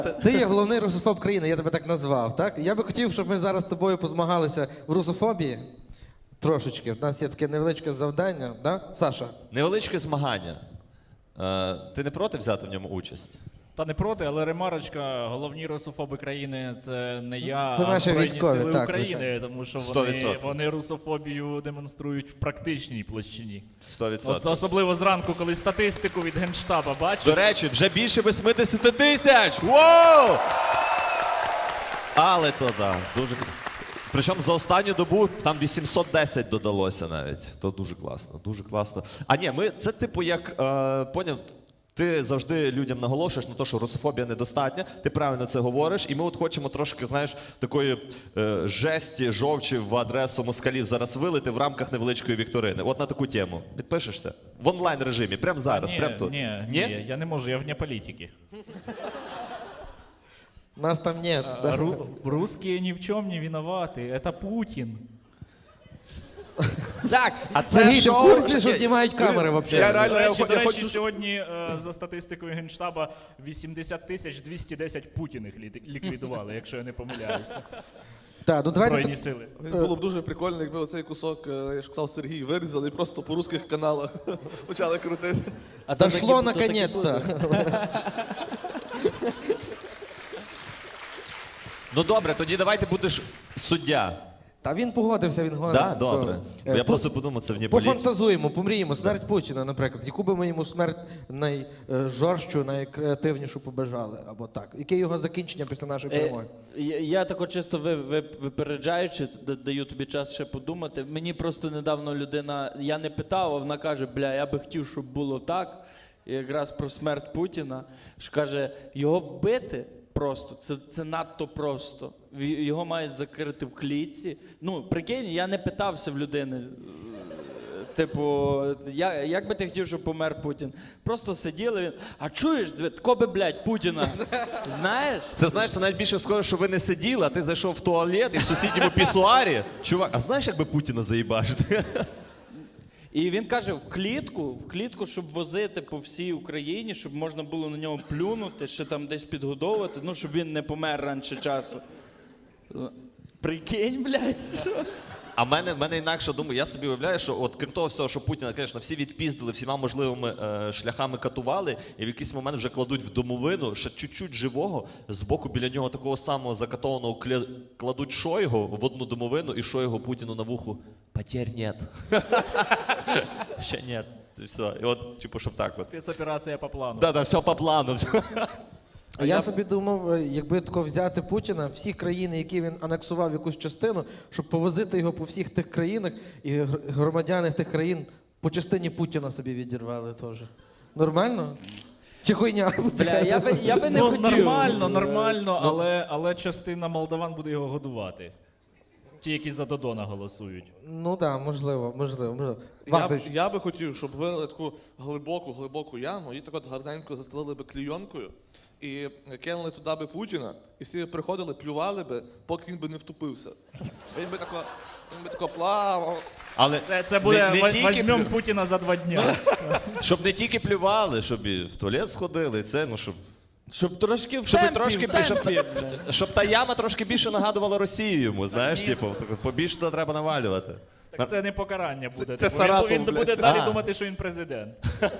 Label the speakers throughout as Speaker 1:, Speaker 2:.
Speaker 1: Ти є головний русофоб країни, я тебе так назвав, так? Я би хотів, щоб ми зараз з тобою позмагалися в русофобії. Трошечки. У нас є таке невеличке завдання, да? Саша?
Speaker 2: Невеличке змагання. Ти не проти взяти в ньому участь?
Speaker 3: Та не проти, але ремарочка, головні русофоби країни це не я,
Speaker 1: Це
Speaker 3: а
Speaker 1: наші
Speaker 3: Збройні
Speaker 1: військові,
Speaker 3: Сили
Speaker 1: так,
Speaker 3: України,
Speaker 1: звичайно.
Speaker 3: тому що
Speaker 2: 100%.
Speaker 3: вони русофобію демонструють в практичній площині.
Speaker 2: 100%.
Speaker 3: От особливо зранку, коли статистику від Генштаба бачиш.
Speaker 2: До речі, вже більше 80 тисяч! Воу! Але то да, дуже. Причому за останню добу там 810 додалося навіть. То дуже класно, дуже класно. А ні, це типу як, поняв, ти завжди людям наголошуєш на те, що русофобія недостатня, ти правильно це говориш, і ми от хочемо трошки, знаєш, такої жесті, жовчі в адресу москалів зараз вилити в рамках невеличкої вікторини. От на таку тему. Підпишешся? В онлайн режимі, прямо зараз, прямо тут.
Speaker 3: Ні, я не можу, я вне політики.
Speaker 1: Нас там нет. Да?
Speaker 3: Русские ни в чем не виноваты, это Путин.
Speaker 2: Так, а це
Speaker 1: Сергій, ти в
Speaker 2: шоу...
Speaker 1: курсі, що знімають камери взагалі?
Speaker 3: До речі, сьогодні за статистикою Генштаба 80 210 Путіних ліквідували, якщо я не помиляюся.
Speaker 1: Так, ну давайте...
Speaker 3: Збройні сили.
Speaker 4: Було б дуже прикольно, якби оцей кусок, я ж казав, Сергій, вирізали і просто по русських каналах почали крутити.
Speaker 1: Дошло наконец-то.
Speaker 2: Ну добре, тоді давайте будеш суддя.
Speaker 1: Та він погодився, він говорить.
Speaker 2: Так, добре. Я просто подумав, це вне політики.
Speaker 1: Пофантазуємо, помріємо. Смерть Путіна, наприклад. Яку би ми йому смерть найжорстчу, найкреативнішу побажали? Або так. Яке його закінчення після нашої перемоги?
Speaker 5: Я тако чисто випереджаючи, даю тобі час ще подумати. Мені просто недавно людина, я не питав, а вона каже, бля, я би хотів, щоб було так. І якраз про смерть Путіна. Що каже, його бити просто, це надто просто. Його мають закрити в клітці. Ну, прикинь, я не питався в людини. Типу, як би ти хотів, щоб помер Путін? Просто сиділи, він, а чуєш, тако би, блядь, Путіна, знаєш?
Speaker 2: Це, знаєш, це навіть більше схоже, що ви не сиділи, а ти зайшов в туалет і в сусідньому пісуарі. Чувак, а знаєш, як би Путіна заїбашити?
Speaker 5: І він каже, в клітку, щоб возити по всій Україні, щоб можна було на нього плюнути, ще там десь підгодовувати, ну, щоб він не помер раніше часу. Прикинь, блядь, що?
Speaker 2: А в мене інакше думаю, я собі уявляю, що от крім того всього, що Путіна, звісно, всі відпіздили, всіма можливими шляхами катували, і в якийсь момент вже кладуть в домовину, ще чуть-чуть живого, збоку біля нього такого самого закатованого кладуть Шойгу в одну домовину, і Шойгу Путіну на вуху «Потерь нет». Ще нет. І все. І от, типу, щоб так от.
Speaker 3: Спецоперація по плану.
Speaker 2: Да, все по плану.
Speaker 1: А я собі думав, якби тако взяти Путіна, всі країни, які він анексував якусь частину, щоб повозити його по всіх тих країнах, і громадяни тих країн по частині Путіна собі відірвали теж. Нормально? Чи хуйня?
Speaker 5: Бля, я би не
Speaker 3: Ну,
Speaker 5: хотів.
Speaker 3: нормально, але частина молдаван буде його годувати. Ті, які за Додона голосують.
Speaker 1: Ну так, можливо. Вахтович,
Speaker 4: Я би хотів, щоб вирили таку глибоку яму і так от гарненько застелили би клійонкою і кинули туди би Путіна, і всі приходили, плювали би, поки він би не втупився. Він би тако плавав.
Speaker 2: Але
Speaker 3: Це буде
Speaker 2: не тільки
Speaker 3: «Возьмем Путіна за 2 дня».
Speaker 2: щоб не тільки плювали, щоб і в туалет сходили, це, ну,
Speaker 5: Щоб трошки в
Speaker 2: Щоб
Speaker 5: темпі,
Speaker 2: трошки
Speaker 5: в темпі,
Speaker 2: більше,
Speaker 5: бля.
Speaker 2: щоб та яма трошки більше нагадувала Росію йому, знаєш, типу, побільше туди треба навалювати.
Speaker 3: Так це не покарання буде.
Speaker 4: Це
Speaker 3: Типу,
Speaker 4: Саратов,
Speaker 3: він
Speaker 4: блядь.
Speaker 3: буде далі
Speaker 2: А.
Speaker 3: думати, що він президент.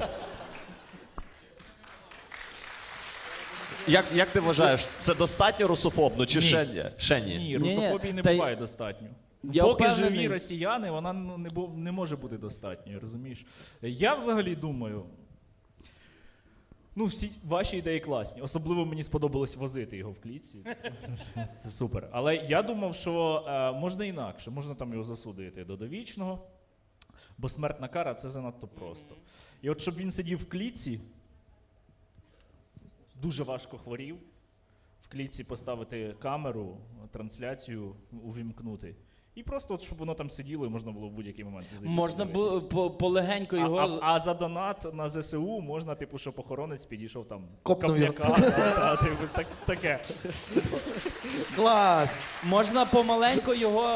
Speaker 2: Як ти вважаєш, це достатньо русофобно чи ще ні? Ще ні.
Speaker 3: Ні, русофобії не
Speaker 5: та й-
Speaker 3: буває достатньо.
Speaker 5: Я
Speaker 3: Поки
Speaker 5: впевнений.
Speaker 3: живі росіяни, вона не може бути достатньою, розумієш? Я взагалі думаю, ну всі ваші ідеї класні. Особливо мені сподобалось возити його в клітці. Це супер. Але я думав, що можна інакше, можна там його засудити до довічного, бо смертна кара – це занадто просто. І от щоб він сидів в клітці, дуже важко хворів, в клітці поставити камеру, трансляцію увімкнути. І просто, от, щоб воно там сиділо і можна було в будь-який момент зайти.
Speaker 5: Можна було полегенько його...
Speaker 3: А за донат на ЗСУ можна, типу, щоб охоронець підійшов там
Speaker 1: Копнув його.
Speaker 3: таке.
Speaker 1: клас!
Speaker 5: Можна помаленько його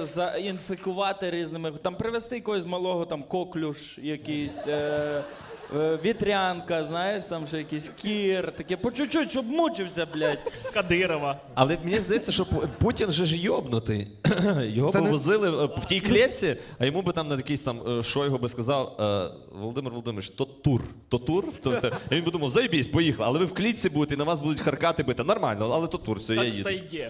Speaker 5: заінфікувати різними, там привезти якогось малого там коклюш якийсь, Вітрянка, знаєш, там ще якийсь кір, таке по чуть-чуть, щоб мучився, блядь.
Speaker 3: Кадирова.
Speaker 2: Але мені здається, що Путін же ж йобнутий. Його
Speaker 1: Це
Speaker 2: б
Speaker 1: не-
Speaker 2: возили в тій клітці, а йому би там на якийсь там Шойгу би сказав: Володимир Володимирович, то тур. То тур? І він би думав, заєбісь, поїхали. Але ви в клітці будете, і на вас будуть харкати бити. Нормально, але то тур, все, я
Speaker 3: Так в
Speaker 2: їду.
Speaker 3: тайге.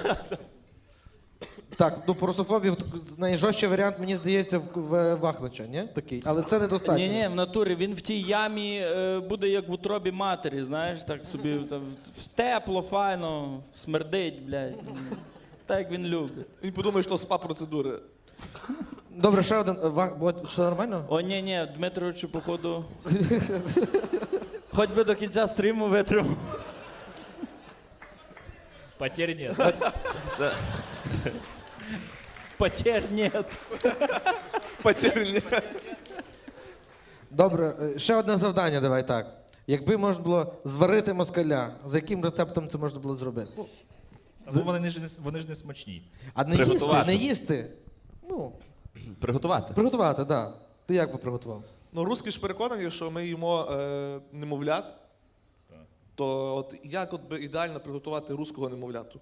Speaker 1: Так, ну по русофобії найжорстчий варіант, мені здається, в Вахнича, ні? Такий. Але це недостатньо.
Speaker 5: Ні, в натурі він в тій ямі буде як в утробі матері, знаєш, так собі там, тепло, файно, смердить, блядь. Так як він любить.
Speaker 4: Він подумає, що спа-процедури.
Speaker 1: Добре, ще один. Що нормально?
Speaker 5: О, ні, Дмитровичу, походу. Хоч би до кінця стріму витримав.
Speaker 3: Потерь нет.
Speaker 2: Все.
Speaker 5: Потерь нет.
Speaker 4: Потерні.
Speaker 1: Добре, ще одне завдання, давай так. Якби можна було зварити москаля, за яким рецептом це можна було зробити? Ну,
Speaker 3: Ну, вони ж не смачні.
Speaker 1: а не їсти,
Speaker 2: Приготувати.
Speaker 1: не їсти. Ну,
Speaker 2: Приготувати.
Speaker 1: приготувати, так. Да. Ти як би приготував?
Speaker 4: Ну, русські ж переконані, що ми їмо немовлят. То от як от би ідеально приготувати руського немовляту?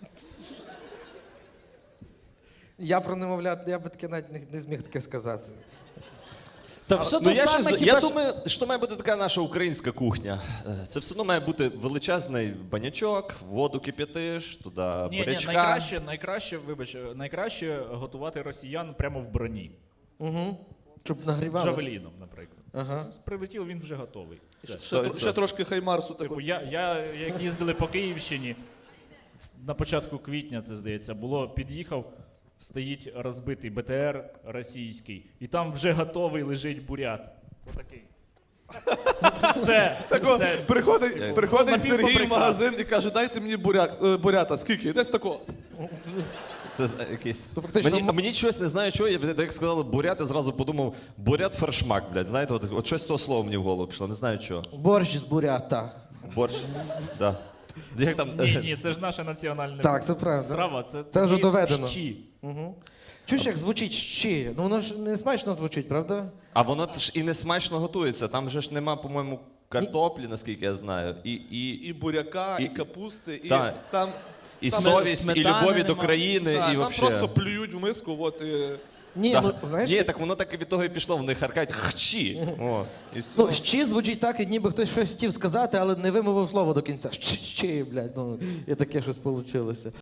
Speaker 1: Я про немовлят, я би таке навіть не зміг таке сказати.
Speaker 5: Та все
Speaker 2: Ну,
Speaker 5: то
Speaker 2: я
Speaker 5: саме,
Speaker 2: я
Speaker 5: хіба що...
Speaker 2: думаю, що має бути така наша українська кухня. Це все одно має бути величезний банячок, воду кип'ятиш, туди бурячка.
Speaker 3: Найкраще готувати росіян прямо в броні.
Speaker 1: Угу. Щоб нагрівали.
Speaker 3: Джавеліном, наприклад.
Speaker 1: Ага.
Speaker 3: Прилетів, він вже готовий. Все.
Speaker 4: Ще трошки хаймарсу. Так
Speaker 3: Типу, як їздили по Київщині, на початку квітня, це здається, під'їхав, стоїть розбитий БТР російський, і там вже готовий лежить бурят. Отакий. Все. все.
Speaker 4: Приходить
Speaker 3: На
Speaker 4: Сергій в
Speaker 3: півфабрикат.
Speaker 4: магазин і каже, дайте мені бурята. Скільки? Десь тако.
Speaker 2: Це якийсь.
Speaker 1: То фактично
Speaker 2: Мені щось не знаю, чого. Як сказали бурят, я зразу подумав, бурят фершмак, блядь. Знаєте, от щось з того слова мені в голову пішло, не знаю чого.
Speaker 1: борщ з бурята.
Speaker 2: Борщ. Да. Як там?
Speaker 3: Ні, це ж наша національна
Speaker 1: Так, це правда.
Speaker 3: страва. Це
Speaker 1: вже
Speaker 3: такі
Speaker 1: доведено.
Speaker 3: щі.
Speaker 1: Угу. Чуєш, як звучить щі? Ну воно ж не смачно звучить, правда?
Speaker 2: А воно ж і не смачно готується. Там же ж нема, по-моєму, картоплі, наскільки я знаю.
Speaker 4: І буряка, і
Speaker 2: І-
Speaker 4: капусти, і
Speaker 2: Так.
Speaker 4: там.
Speaker 2: І
Speaker 4: Саме
Speaker 2: совість, і
Speaker 5: сметани
Speaker 2: любові до
Speaker 5: нема.
Speaker 2: країни,
Speaker 4: Да,
Speaker 2: і
Speaker 4: там
Speaker 2: вообще.
Speaker 4: просто плюють в миску, от і.
Speaker 1: Ні,
Speaker 2: Да.
Speaker 1: ну знаєш,
Speaker 2: Ні, так воно так і від того і пішло, вони харкають хчі. О, і все.
Speaker 1: ну щі звучить так, і ніби хтось щось хотів сказати, але не вимовив слово до кінця. Щі, блядь, ну і таке щось вийшло.